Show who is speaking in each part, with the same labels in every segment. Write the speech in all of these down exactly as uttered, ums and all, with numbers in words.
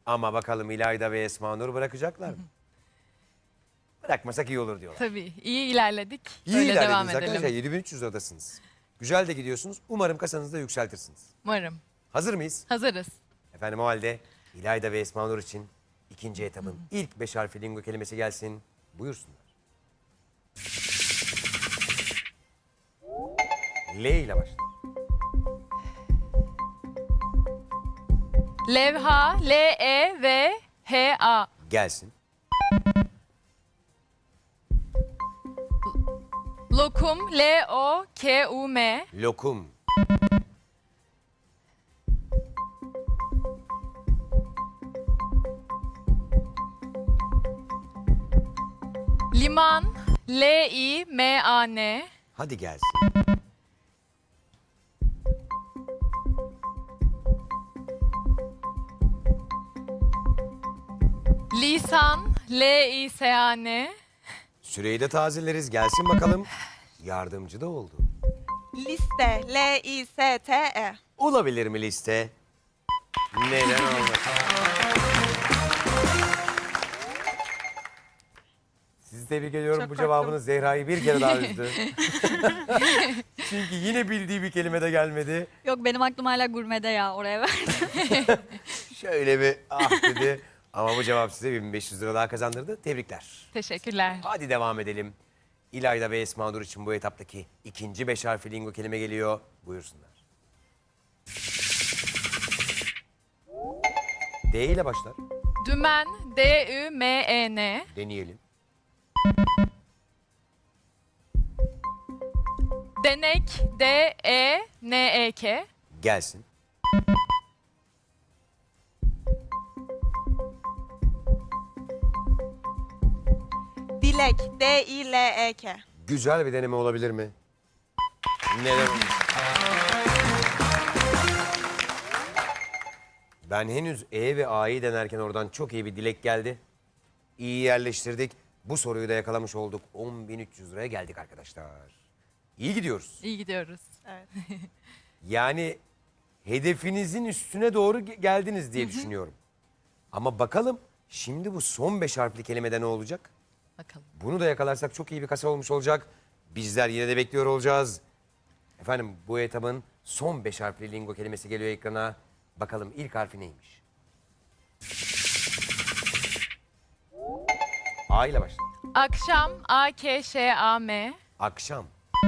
Speaker 1: Ama bakalım İlayda ve Esma Nur bırakacaklar mı? Bırakmasak iyi olur diyorlar.
Speaker 2: Tabii iyi ilerledik.
Speaker 1: İyi
Speaker 2: Öyle devam
Speaker 1: ilerlediniz
Speaker 2: edelim.
Speaker 1: arkadaşlar. yedi bin üç yüz liradasınız. Güzel de gidiyorsunuz. Umarım kasanızı da yükseltirsiniz.
Speaker 2: Umarım.
Speaker 1: Hazır mıyız?
Speaker 2: Hazırız.
Speaker 1: Efendim o halde İlayda ve Esma Nur için ikinci etapın ilk beş harfli lingo kelimesi gelsin. Buyursunlar. L ile başlar.
Speaker 2: Levha, L E V H A.
Speaker 1: Gelsin.
Speaker 2: Lokum, L O K U M.
Speaker 1: Lokum.
Speaker 2: Liman, L I M A N.
Speaker 1: Hadi gelsin.
Speaker 2: Lisan, L I S A N.
Speaker 1: Süreyi de tazeleriz. Gelsin bakalım. Yardımcı da oldu.
Speaker 3: Liste, L I S T E.
Speaker 1: Olabilir mi liste? Neden olmasın? Sizi tebrik ediyorum.
Speaker 3: Çok
Speaker 1: Bu cevabınız Zehra'yı bir kere daha üzdü. Çünkü yine bildiği bir kelime de gelmedi.
Speaker 4: Yok benim aklım hala gurmede ya oraya verdim.
Speaker 1: Şöyle bir ah dedi. Ama bu cevap size bin beş yüz lira daha kazandırdı. Tebrikler.
Speaker 2: Teşekkürler.
Speaker 1: Hadi devam edelim. İlayda ve Esma Nur için bu etaptaki ikinci beş harfli lingo kelime geliyor. Buyursunlar. D ile başlar.
Speaker 2: Dümen, D Ü M E N.
Speaker 1: Deneyelim.
Speaker 2: Denek, D E N E K.
Speaker 1: Gelsin.
Speaker 3: Dilek, D I L E K.
Speaker 1: Güzel bir deneme olabilir mi? Neden olmasın? Ben henüz E ve A'yı denerken oradan çok iyi bir dilek geldi. İyi yerleştirdik. Bu soruyu da yakalamış olduk. on bin üç yüz liraya geldik arkadaşlar. İyi gidiyoruz.
Speaker 2: İyi gidiyoruz.
Speaker 3: Evet.
Speaker 1: Yani hedefinizin üstüne doğru ge- geldiniz diye düşünüyorum. Ama bakalım şimdi bu son beş harfli kelimede ne olacak?
Speaker 2: Bakalım.
Speaker 1: Bunu da yakalarsak çok iyi bir kasa olmuş olacak. Bizler yine de bekliyor olacağız. Efendim bu etabın son beş harfli lingo kelimesi geliyor ekrana. Bakalım ilk harfi neymiş? A ile başla.
Speaker 2: Akşam, A K Ş A M.
Speaker 1: Akşam.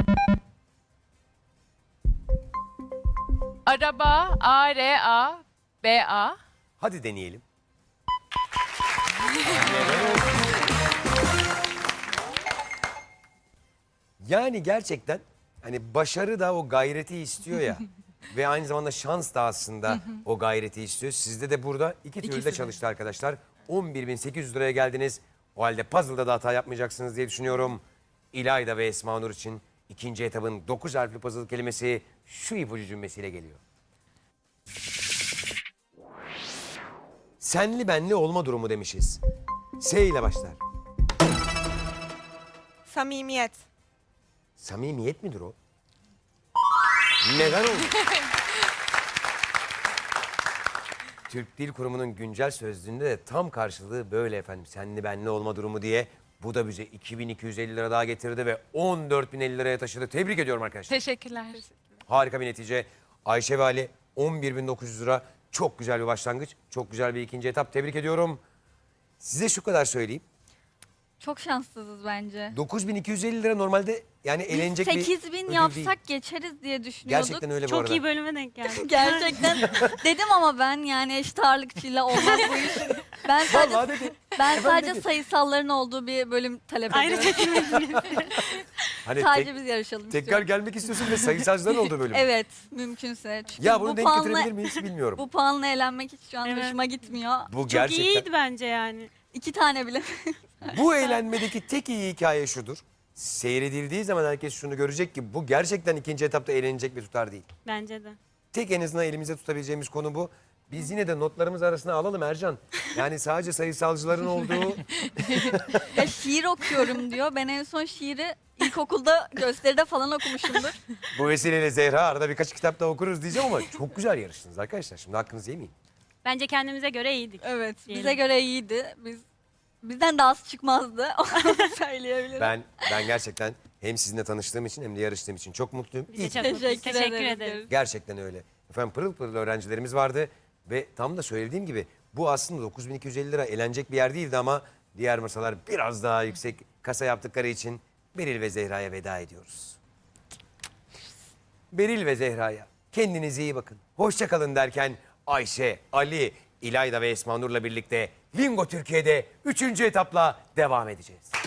Speaker 2: Araba, A R A B A.
Speaker 1: Hadi deneyelim. Yani gerçekten hani başarı da o gayreti istiyor ya. Ve aynı zamanda şans da aslında o gayreti istiyor. Sizde de burada iki türlü
Speaker 2: İkisi
Speaker 1: de
Speaker 2: de.
Speaker 1: çalıştı arkadaşlar. on bir bin sekiz yüz liraya geldiniz. O halde puzzle'da da hata yapmayacaksınız diye düşünüyorum. İlayda ve Esma Nur için ikinci etabın dokuz harfli puzzle kelimesi şu ipucu cümlesiyle geliyor. Senli benli olma durumu demişiz. S ile başlar.
Speaker 3: Samimiyet,
Speaker 1: Samimiyet midir o? Neden oldu? Türk Dil Kurumu'nun güncel sözlüğünde de tam karşılığı böyle efendim. Senli benli olma durumu diye. Bu da bize iki bin iki yüz elli lira daha getirdi ve on dört bin elli liraya taşıdı. Tebrik ediyorum arkadaşlar.
Speaker 2: Teşekkürler.
Speaker 1: Harika bir netice. Ayşe ve Ali on bir bin dokuz yüz lira. Çok güzel bir başlangıç. Çok güzel bir ikinci etap. Tebrik ediyorum. Size şu kadar söyleyeyim.
Speaker 4: Çok şanssızız bence.
Speaker 1: dokuz bin iki yüz elli lira normalde yani eğlenecek bir
Speaker 4: sekiz bin
Speaker 1: ödül
Speaker 4: yapsak
Speaker 1: değil.
Speaker 4: geçeriz diye düşünüyorduk.
Speaker 1: Gerçekten öyle bu
Speaker 5: Çok
Speaker 1: arada.
Speaker 5: iyi bölüme denk geldik.
Speaker 4: Gerçekten dedim ama ben yani eşit ağırlıkçıyla olmaz bu iş. Ben sadece,
Speaker 1: Vallahi dedi.
Speaker 4: ben
Speaker 1: Efendim
Speaker 4: sadece
Speaker 1: dedi.
Speaker 4: sayısalların olduğu bir bölüm talep
Speaker 5: Aynı
Speaker 4: ediyorum.
Speaker 5: çekilmediniz.
Speaker 1: Hani
Speaker 4: Sadece
Speaker 1: tek-
Speaker 4: biz yarışalım
Speaker 1: tekrar
Speaker 4: istiyorum.
Speaker 1: gelmek istiyorsun ve sayısalcıların olduğu bölüm.
Speaker 4: Evet mümkünse. Çünkü
Speaker 1: Ya bunu
Speaker 4: bu
Speaker 1: denk
Speaker 4: puanla,
Speaker 1: getirebilir miyiz bilmiyorum.
Speaker 4: bu puanla eğlenmek hiç şu an
Speaker 5: Evet.
Speaker 4: hoşuma gitmiyor.
Speaker 1: Bu
Speaker 5: Çok
Speaker 1: gerçekten.
Speaker 5: iyiydi bence yani.
Speaker 4: İki tane bile.
Speaker 1: Bu eğlenmedeki tek iyi hikaye şudur. Seyredildiği zaman herkes şunu görecek ki bu gerçekten ikinci etapta eğlenecek bir tutar değil.
Speaker 5: Bence de.
Speaker 1: Tek en azından elimizde tutabileceğimiz konu bu. Biz yine de notlarımız arasına alalım Ercan. Yani sadece sayısalcıların olduğu...
Speaker 4: Ya şiir okuyorum diyor. Ben en son şiiri ilkokulda gösteride falan okumuşumdur.
Speaker 1: Bu vesileyle Zehra arada birkaç kitap daha okuruz diyeceğim ama çok güzel yarıştınız arkadaşlar. Şimdi hakkınızı yemeyin.
Speaker 5: Bence kendimize göre iyiydik.
Speaker 4: Evet,
Speaker 5: Diyelim.
Speaker 4: bize göre iyiydi. Biz bizden daha az çıkmazdı. Onu söyleyebilirim.
Speaker 1: Ben ben gerçekten hem sizinle tanıştığım için hem de yarıştığım için çok mutluyum.
Speaker 5: Biz de
Speaker 1: İyi ki-
Speaker 5: çok mutluyuz.
Speaker 4: Teşekkür,
Speaker 5: Teşekkür
Speaker 4: ederiz.
Speaker 5: ederiz.
Speaker 1: Gerçekten öyle. Efendim pırıl pırıl öğrencilerimiz vardı ve tam da söylediğim gibi bu aslında dokuz bin iki yüz elli lira eğlenecek bir yer değildi ama diğer masalar biraz daha yüksek kasa yaptıkları için Beril ve Zehra'ya veda ediyoruz. Beril ve Zehra'ya kendinize iyi bakın. Hoşça kalın derken Ayşe, Ali, İlayda ve Esma Nur'la birlikte Lingo Türkiye'de üçüncü etapla devam edeceğiz.